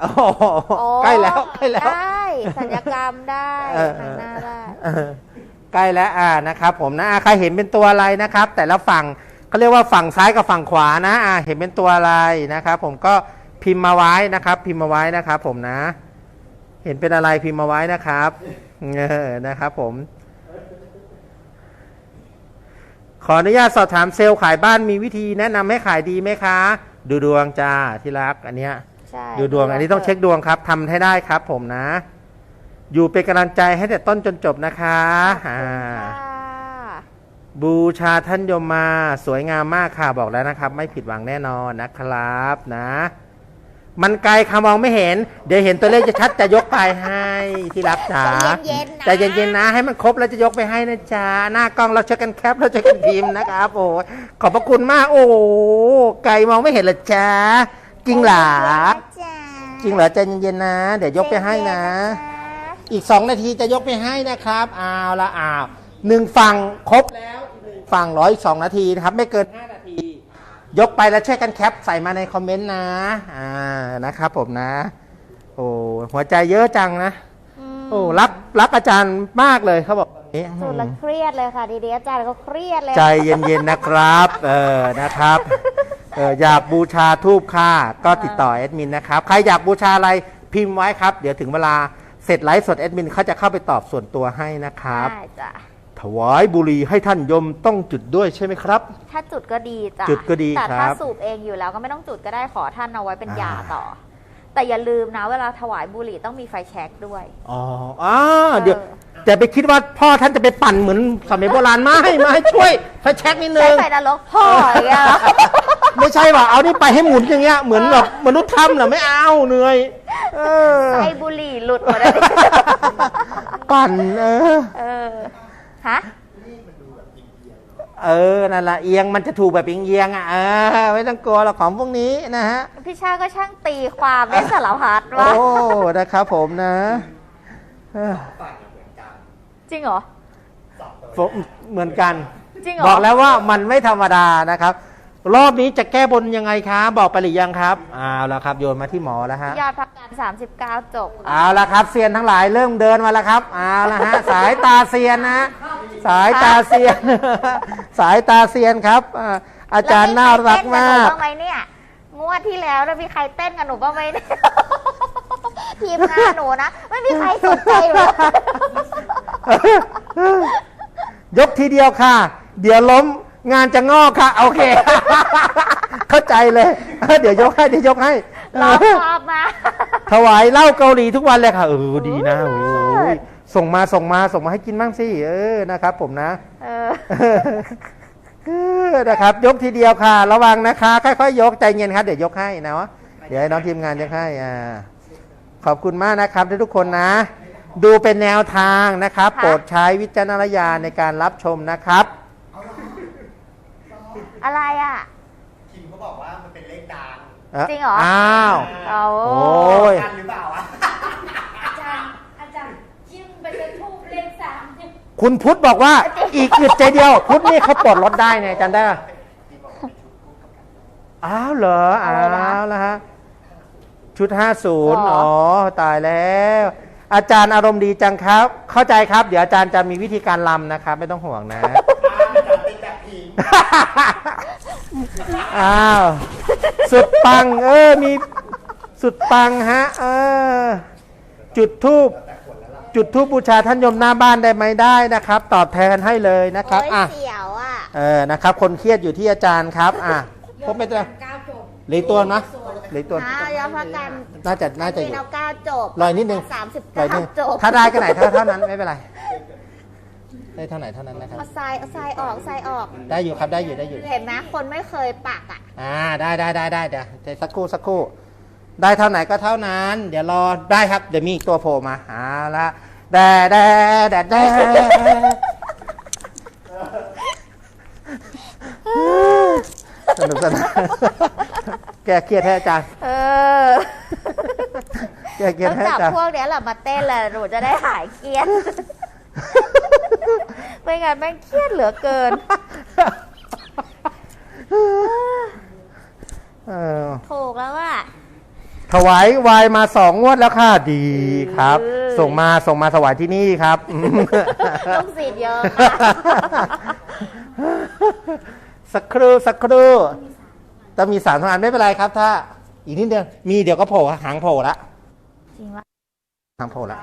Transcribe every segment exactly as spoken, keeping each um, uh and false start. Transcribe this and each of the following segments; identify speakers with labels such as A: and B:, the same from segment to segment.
A: อ้ใกล้แล้วใกล้แล้ว
B: ได้ศัลยกรรมได้หนังหน้าได้
A: ใกล้แล้วอ่านะครับผมนะใครเห็นเป็นตัวอะไรนะครับ แต่ละฝั่งเขาเรียกว่าฝั่งซ้ายกับฝั่งขวานะอ่าเห็นเป็นตัวอะไรนะครับผมก็พิมพ์มาไว้นะครับพิมพ์มาไว้นะครับผมนะเห็นเป็นอะไรพิมพ์มาไว้นะครับเออนะครับผมขออนุญาตสอบถามเซลล์ขายบ้านมีวิธีแนะนำให้ขายดีไหมคะดูดวงจ้าที่รักอันเนี้ยดูดวงอันนี้ต้องเช็คดวงครับทำให้ได้ครับผมนะอยู่เป็นกำลังใจให้แต่ต้นจนจบนะคะอ่าบูชาท่านยมมาสวยงามมากค่ะบอกแล้วนะครับไม่ผิดหวังแน่นอนนะครับนะมันไกลค่ะมองไม่เห็นเดี๋ยวเห็นตัวเลขจะชัดจะยกไปให้ที่รักจ๋าใจเย็นๆนะให้มันครบแล้วจะยกไปให้นะจ๊ะหน้ากล้องเราช่วยกันแคปเราช่วยกันพิมพ์นะครับโอ้ขอบพระคุณมากโอ้ไกลมองไม่เห็นเลยจ้าจริงเหรอจริงเหรอใจเย็นๆนะเดี๋ยวยกไปให้นะอีกสองนาทีจะยกไปให้นะครับเอาละอ้าวหนึ่งฝั่งครบแล้วฝั่งร้อยอีกสองนาทีนะครับไม่เกินห้านาทียกไปแล้วช่วยกันแคปใส่มาในคอมเมนต์นะอ่านะครับผมนะโอ้หัวใจเยอะจังนะโอ้รักรักอาจารย์มากเลยเขาบอกนี้
B: สุดละเครียดเลยค่ะดีๆอาจารย์เขาเครียดเลย
A: ใจเย็นๆนะครับเออนะครับเอออยากบูชาทูบค่ะก็ติดต่อแอดมินนะครับใครอยากบูชาอะไรพิมพ์ไว้ครับเดี๋ยวถึงเวลาเสร็จไลฟ์สดแอดมินเขาจะเข้าไปตอบส่วนตัวให้นะครับ
B: ใช่จ้ะ
A: ถวายบุหรี่ให้ท่านยมต้องจุดด้วยใช่ไหมครับ
B: ถ้าจุดก็ดีจ้ะ
A: จุดก็ดี
B: แต่ถ้าสูบเองอยู่แล้วก็ไม่ต้องจุดก็ได้ขอท่านเอาไว้เป็นยาต่อแต่อย่าลืมนะเวลาถวายบุหรี่ต้องมีไฟแช็กด้วย
A: อ๋ออ๋อเดี๋ยวแต่ไปคิดว่าพ่อท่านจะไปปั่นเหมือนสมัยโบราณไม่ไม่ช่วยไฟแช็กนิดนึงใช้
B: ไฟนรกพ่ออย่างเงี้ย
A: ไม่ใช่ป่ะเอานี่ไปให้หมุนอย่างเงี้ยเหมือนแบบมนุษย์ทำเหรอไม่เอาเหนื่อย
B: ไฟบุหรี่หลุดหมดเลย
A: ปั่นเออ
B: เออฮะ
A: เออนั่นแหละเอียงมันจะถูกแบบเอียงอ่ะเออไม่ต้องกลัวหรอกของพวกนี้นะฮะ
B: พี่ชาก็ช่างตีความได้สารพัดวะ
A: โอ้นะครับผมนะ
B: จริงเหรอ
A: เหมือนกัน
B: จริงเหรอ
A: บอกแล้วว่ามันไม่ธรรมดานะครับรอบนี้จะแก้บนยังไงคะบอกไปหรือยังครับเอาละครับโยนมาที่หมอแล้วฮะ
B: ยอดพักการสามสิบเก้าจบ
A: เอาละครับเซียนทั้งหลายเริ่มเดินมาแล้วครับเอาละฮะสายตาเซียนนะสายตาเซียนสายตาเซียนครับอาจารย์น่ารักมาก
B: บ้างไหมเนี่ยงวดที่แล้วแล้วมีใครเต้นกับหนูบ้างไหมเนี่ยทีมงานหนูนะไม่มีใครสนใจเลย
A: ยกทีเดียวค่ะเดี๋ยวล้มงานจะงอกค่ะโอเคเข้าใจเลยเดี๋ยวยกให้เดี๋ยวยกให้
B: รอบรอบมา
A: ถวายเหล้าเกาหลีทุกวันเลยค่ะเออดีนะโอ้ยส่งมาส่งมาส่งมาให้กินบ้างสิเออนะครับผมนะเออนะครับยกทีเดียวค่ะระวังนะคะค่อยๆยกใจเย็นครับเดี๋ยวยกให้นะวะเดี๋ยวให้น้องทีมงานยกให้อ่าขอบคุณมากนะครับทุกคนนะดูเป็นแนวทางนะครับโปรดใช้วิจารณญาณในการรับชมนะครับ
B: อะไรอ่ะ
C: คิมเขาบอกว่ามันเป็นเลขดัง
B: จริงเหรอ
A: อ้าว
B: โอ้
A: ย
C: กันหรือเปล่าอ่ะ
D: อาจารย์อาจารย์จิ้มไปจะทูบเลขสาม
A: คุณพุทธบอกว่าอีกอึดใจเดียวพุทธนี่เขาปลดรถได้ไงจำได้ป่ะอ้าวเหรออ้าวแล้วฮะชุดห้าสิบอ๋อตายแล้วอาจารย์อารมณ์ดีจังครับเข้าใจครับเดี๋ยวอาจารย์จะมีวิธีการรำนะครับไม่ต้องห่วงนะอ้าวสุดปังเออมีสุดปังฮะเออจุดธูปจุดธูปบูชาท่านยมหน้าบ้านได้ไหมได้นะครับตอบแทนให้เลยนะครับอ่ะ
B: เสียวอ่ะ
A: เออนะครับคนเครียดอยู่ที่อาจารย์ครับอ่ะพบไม่ได้เหลือตัวนะเหลือตัว
B: ยอดพักการ
A: น่าจะน่าจะ
B: เอาเก้าจบ
A: ลอยนิดนึง
B: สามสิบเก้าจบ
A: ถ้าได้ก็ไหนเท่าเท่านั้นไม่เป็นไรได้เท่าไหร่เท่านั้นนะครับ
B: เอาทรายเอาทรายออกทรายออก
A: ได้อยู่ครับได้อยู่ได้อยู่
B: เห็นไหมคนไม่เคยปักอ่ะ
A: อ่าได้ได้ได้ได้เดี๋ยวสักครู่สักครู่ได้เท่าไหนก็เท่านั้นเดี๋ยวรอได้ครับเดี๋ยวมีตัวโผล่มาอ่าละแดดแดดแดดแดดสนุกสนานแกเครียดแท้อาจารย์
B: เออ
A: แกเครียดแท้อาจารย์
B: พวกนี้แหละมาเต้นเลยหนูจะได้หายเครียดไม่งั้นแม่งเครียดเหลือเกิน
A: ถู
B: กแล้วว่า
A: ถถวายวายมาสองงวดแล้วค่ะดีครับ ส่งมาส่งมาถวายที่นี่ครับ
B: ลูกศิษย์เยอะค่ะ
A: สักครู่สักครู่ต้องมีสามทำงานไม่เป็นไรครับ ถ้าอีกนิดเดียวมีเดี๋ยวก็โผล่หางโผล่ละ
B: จริงวะ
A: หางโผล่ละ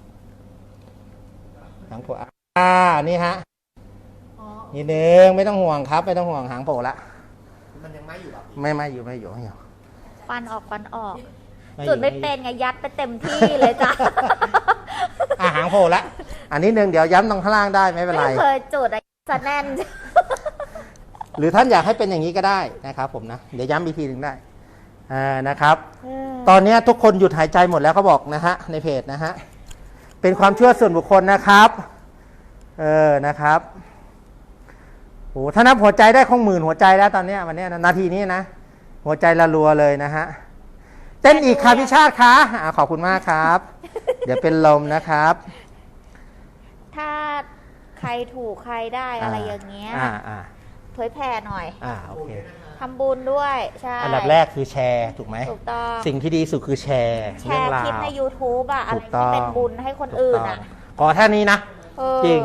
A: หางโผล่อ่านี่ฮะนิดนึงไม่ต้องห่วงครับ ไม่ต้องห่วงหางโผล่ละ
C: มันยังไม่อยู่หรอ
A: ไม่ไม่อยู่ไม่อยู่ไม่อยู่
B: ฟันออกฟันออก
A: ไม่อยู่
B: จุดไม่เป็นไงยัดไปเต็มที่เลยจ้ะ
A: อ่ะหางโผล่ละอันนี้หนึ่งเดี๋ยวย้ำตรงข้างล่างได้ไม่เป็นไร
B: ไม่เคยจุดอะไรจะแน่น
A: หรือท่านอยากให้เป็นอย่างนี้ก็ได้นะครับผมนะเดี๋ยวย้ำอีกทีหนึ่งได้อ่านะครับ ตอนนี้ทุกคนหยุดหายใจหมดแล้วเขาบอกนะฮะในเพจนะฮะเป็นความเชื่อส่วนบุคคลนะครับเออนะครับโอ้ถ้านับหัวใจได้คงหมื่นหัวใจแล้วตอนนี้วันนี้นาทีนี้นะหัวใจละรัวเลยนะฮะเต้นอีกค่ะพี่ชาติคะอ่าขอบคุณมากครับ เดี๋ยวเป็นลมนะครับ
B: ถ้าใครถูกใครได้อะไรอย่างเงี้ย
A: อ่าอ่า
B: เผยแผ่หน่อย
A: อ่าโอเค
B: ทำบุญด้วยใช่
A: อันดับแรกคือแชร์ถูกไหม
B: ถูกต้อง
A: สิ่งที่ดีสุดคือแชร์
B: แช
A: เรื่อง
B: ร์
A: รา
B: คลิป
A: ว
B: ใน YouTube อะอะไร
A: ถูกต้
B: ที่
A: อง
B: เป็นบุญให้คนอื่นอะ
A: ขอแค่นี้นะ
B: เออ
A: จริง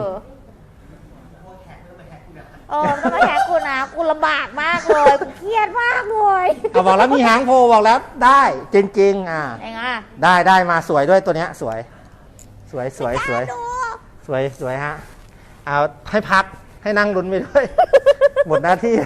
B: เออต้องมาแฮกกูนะกูลำบากมากเลยกูเครียดมากเลย
A: เอาบอกแล้วมีหางโพบอกแล้วได้จริงๆอ่า
B: ไงอ่ะ
A: ได้ได้มาสวยด้วยตัวเนี้ยสวย สวยสวยสวย
B: ดู
A: สวยสวยฮะเอาให้พักให้นั่งลุ้นไปด้วย หมดหน้าที่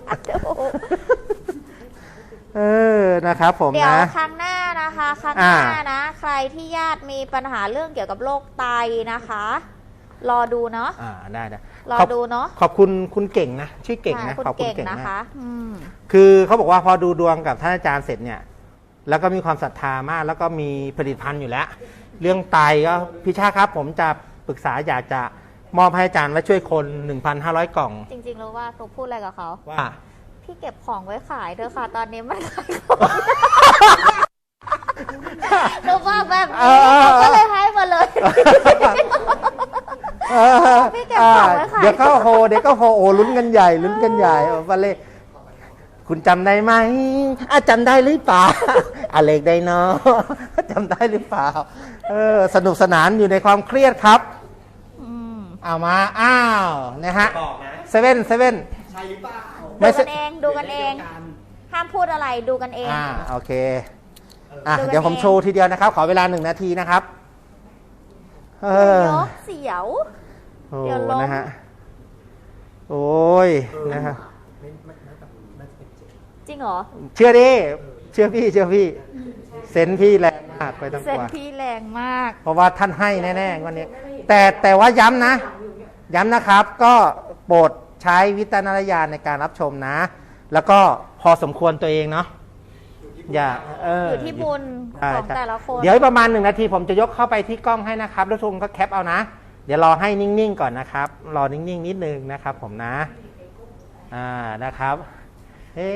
A: เออนะครับผม
B: เดี๋ยว
A: นะ
B: ครั้งหน้านะคะครั้งห
A: อ่า
B: น้านะ ใครที่ญาติมีปัญหาเรื่องเกี่ยวกับโรคไตนะคะ รอดูเนาะ
A: อ่าได้ได้
B: รอ
A: ขอบ
B: ดูเนาะ
A: ขอบคุณคุณเก่งนะชื่อเก่งนะ
B: ใช่คุณ
A: ขอบคุณ
B: เก่ง
A: เก่ง
B: นะ
A: มาก
B: คะอืม
A: คือเขาบอกว่าพอดูดวงกับท่านอาจารย์เสร็จเนี่ย แล้วก็มีความศรัทธามาก แล้วก็มีผลิตภัณฑ์อยู่แล้ว เรื่องไตก็พี่ชาครับ ผมจะปรึกษาอยากจะมอบให้อาจารย์ไว้ช่วยคน หนึ่งพันห้าร้อย กล่อง
B: จริงๆรู้ว่าหนูพูดอะไรกับเขา
A: ว่า
B: พี่เก็บของไว้ขายเถอะค่ะ ตอนนี้มันขายของหนูบอกแบบ
A: เอ
B: นี้
A: อ
B: เขาก็เลยให้มาเลย
A: เออ
B: พี่เก็บของไว้ขาย
A: เดี๋ยวก็โฮเดี๋ยวก็โฮโอ้ลุ้นกันใหญ่ลุ้นกันใหญ่โอ้บัลเล่คุณจำได้ไหมอ่ะจำได้หรือเปล่าอะเล็กได้เนาะจำได้หรือเปล่าเออสนุกสนานอยู่ในความเครียดครับ
B: อืม
A: เอามาอ้าวนะฮะ
C: บอกนะ
A: เซเว่นเซเว่น
C: ใช่หรือเปล่า
A: ไม่
B: ดู
A: ใช่
B: กันเองดูกันเอง ห้ามพูดอะไรดูกันเอง
A: อ่าโอเคอ่ะ
B: ดูกัน
A: เดี๋ยวผม
B: เอง
A: โชว์ทีเดียวนะครับ ขอเวลาหนึ่งนาทีนะครับเออ
B: ยกเสียว
A: โอ้
B: เดี๋ยวล้ม
A: นะฮะโอ้ยนะฮะ
B: จริงเหรอ
A: เชื่อดิเชื่อพี่เชื่อพี่ เซนส์พี่แรงมากไปทั้ง
B: เส้
A: ตั
B: น
A: ว
B: พี่แรงมาก
A: เพราะว่าท่านให้แน่ๆวันนี้ แต่แต่ว่าย้ำนะ ย้ำนะครับ ก็โปรดใช้วิจารณญาณในการรับชมนะ แล้วก็พอสมควรตัวเองเนาะอย่าเออ
B: อยู่ที่บุญ
A: ใช่
B: ของ
A: ใช่
B: แต่ละคน
A: เดี๋ยวอีกประมาณหนึ่งนาทีผมจะยกเข้าไปที่กล้องให้นะครับแล้วทุกคนก็แคปเอานะ เดี๋ยวรอให้นิ่งๆก่อนนะครับ รอนิ่งๆนิดนึงนะครับ ผมนะ อ่านะครับเฮ้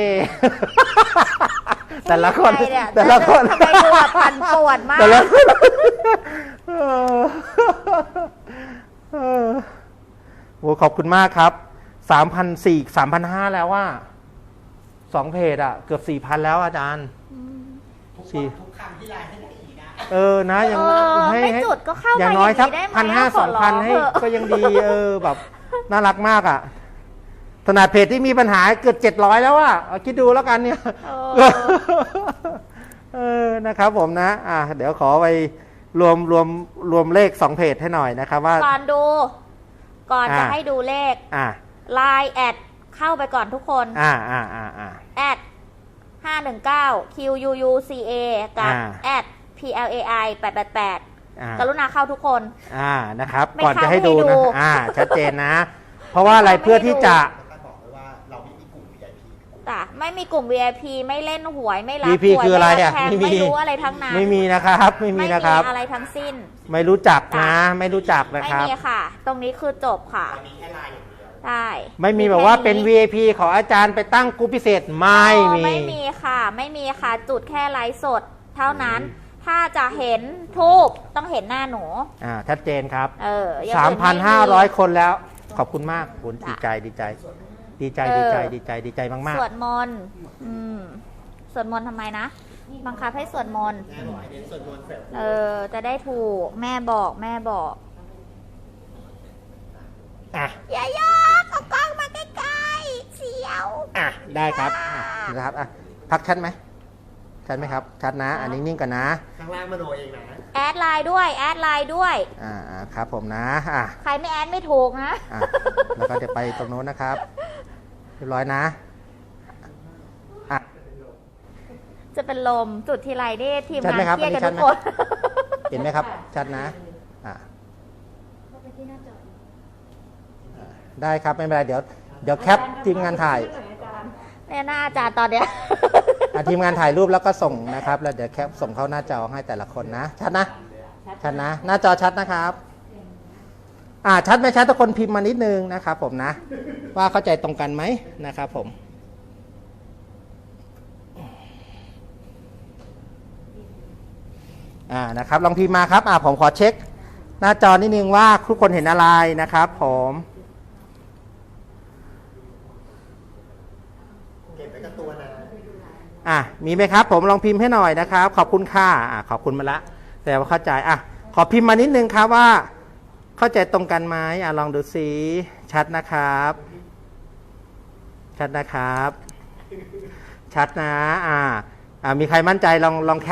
A: แต่ละคน
B: ใรเนี่ย
A: แต่ละคน
B: ทำไมดูแบบปั่นป่วนมาก
A: แต่ละคนเออเออโหขอบคุณมากครับสามพันสี่สามพันห้าแล้วว่าสองเพจอะเกือบสี่พันแล้วอาจารย์
C: ทุก
A: สี่
C: ทุกคำที่ไลน์ให้ได้อีกนะ
A: เออนะอย่าง
B: เออ
A: ให้
B: ไม่
A: ให้
B: จุดก็เข้ามา
A: อย่างน้อยสัก
B: อย่างนี้ได้ไหม
A: พันห้า
B: ข
A: ส
B: อ
A: อง
B: ร้อง
A: พันให้
B: เถอะ
A: ก็ยังดี เออแบบน่ารักมากอ่ะขนาดเพจที่มีปัญหาเกือบเจ็ดร้อยแล้วอ่ะเอาคิดดูแล้วกันเนี่ย
B: เออ
A: เออนะครับผมนะ อ่ะเดี๋ยวขอไปรวมรวมรวมเลขสองเพจให้หน่อยนะครับว่า
B: ก่อนดู ก่อนจะ
A: อ่า
B: ให้ดูเลข
A: อ่า
B: ไลน์แอดเข้าไปก่อนทุกคน
A: อ่าอ่าอ่าอ่า
B: แอดห้าหนึ่งเก้า คิว ยู ยู ซี เอ กับ
A: อ่า
B: แอด พี แอล เอ ไอ แปดแปดแปด
A: อ่าก
B: รุณาเข้าทุกคน
A: อ่านะครับ
B: ไม่
A: ก่อนจะให้ดู
B: เข้าให้
A: นะ
B: ดู
A: อ่าชัดเจนนะ เพราะว่าอะไร
B: ไม่เข้า
A: เพื่อที่จะ
C: ท่านบอกเลยว่าเราไม่มีกลุ่ม วี ไอ พี
B: จ้ะไม่มีกลุ่ม วี ไอ พี ไม่เล่นหวยไม่รับ
A: วี พี
B: หวย
A: คืออะไร
B: ม่
A: อ่ะ
B: แทง
A: ไม่มี
B: ไม่รู้อะไรทั้งนั้น
A: ไม่มีนะครับ ไม่มีนะครับ
B: อะไรทั้งสิ้น
A: ไม่รู้จักนะ
B: จ้ะ
A: ไม่รู้จักนะ
B: ไม่
A: ครับ
B: มีค่ะ ตรงนี้คือจบค่ะ
C: มีแค่ไลน์อย่างเดียว
B: ใช่
A: ไม่มีแบบว่าเป็น วี ไอ พี ขออาจารย์ไปตั้งกลุ่มพิเศษไม่
B: อ๋อ
A: มี
B: ไม่มีค่ะ ไม่มีค่ะ จุดแค่ไลฟ์สด เท่านั้น ถ้าจะเห็นทูบต้องเห็นหน้าหนู
A: อ่าชัดเจนครับ
B: เอออย่ง
A: สาม
B: อื่
A: พัน
B: ไ
A: ห้าร้อยคนแล้ว ขอบคุณมากคุณ
B: จ้ะ
A: ดีใจดีใจ ดีใจ
B: เออ
A: ดีใจดีใจดีใจมาก
B: สวดมนต์อืมสวดมนต์ทำไมนะ
A: ๆ
B: บังคับให้สวดมนต์
C: แม่บอกให้เน้นส่วนมนต์เสริม
B: เออ จะได้ถูก แม่บอก แม่บอก
A: อ่ะ
B: อย่ายกเอากล้องมาใกล้ๆเสียว
A: อ่ะได้ครับอ่ะนะครับอ่ะพักชัดไหมชัดไหมครับชัดนะอันนี้นิ่งก่อนนะ
C: ข้างล่างมโนเองนะ
B: แอดไลน์ด้วย แอดไลน์ด้วย
A: อ่าอ่าครับผมนะอ่ะ
B: ใครไม่แอดไม่ถูกนะ
A: อ่ะแล้วก็เดี๋ยวไปตรงโน้นนะครับเรียบร้อยนะอ่ะ
B: จะเป็นลมจุดทีไรนี่ทีม
A: ชัด
B: งา
A: ไหม
B: น
A: ครับ
B: เครียดกัน
A: อั
B: ทุ
A: น
B: ก
A: นี้ชัดไหม
B: คน
A: เห็นไหมครับชัดนะอ่ะ
D: เข้าไปที่หน้าจอ
A: อ่ะได้ครับไม่เป็นไรเดี๋ยวเดี๋ยวแคปทีมงานถ่าย
B: เนี่ยหน้าอาจารย์ตอนเนี้ย
A: อ่ะทีมงานถ่ายรูปแล้วก็ส่งนะครับแล้วเดี๋ยวแคปส่งเข้าหน้าจอให้แต่ละคนนะชัดนะชัดนะ หน้าจอชัดนะครับ อ่าชัดไหมชัดทุกคนพิมพ์มานิดนึงนะครับผมนะ ว่าเข้าใจตรงกันไหมนะครับผมอ่านะครับลองพิมพ์มาครับอ่าผมขอเช็ค หน้าจอนิดนึงว่าทุกคนเห็นอะไรนะครับผม
C: เก็บไว้กับตัวนะ
A: อ่ะมีไหมครับผมลองพิมพ์ให้หน่อยนะครับ ขอบคุณค่ะอ่ะขอบคุณมาละแต่ว่าเข้าใจอ่ะขอพิมพ์มานิดนึงครับว่า เข้าใจตรงกันไหมอ่ะลองดูสิชัดนะครับ ชัดนะครับ ชัดนะอ่าอ่ามีใครมั่นใจลองลองแคป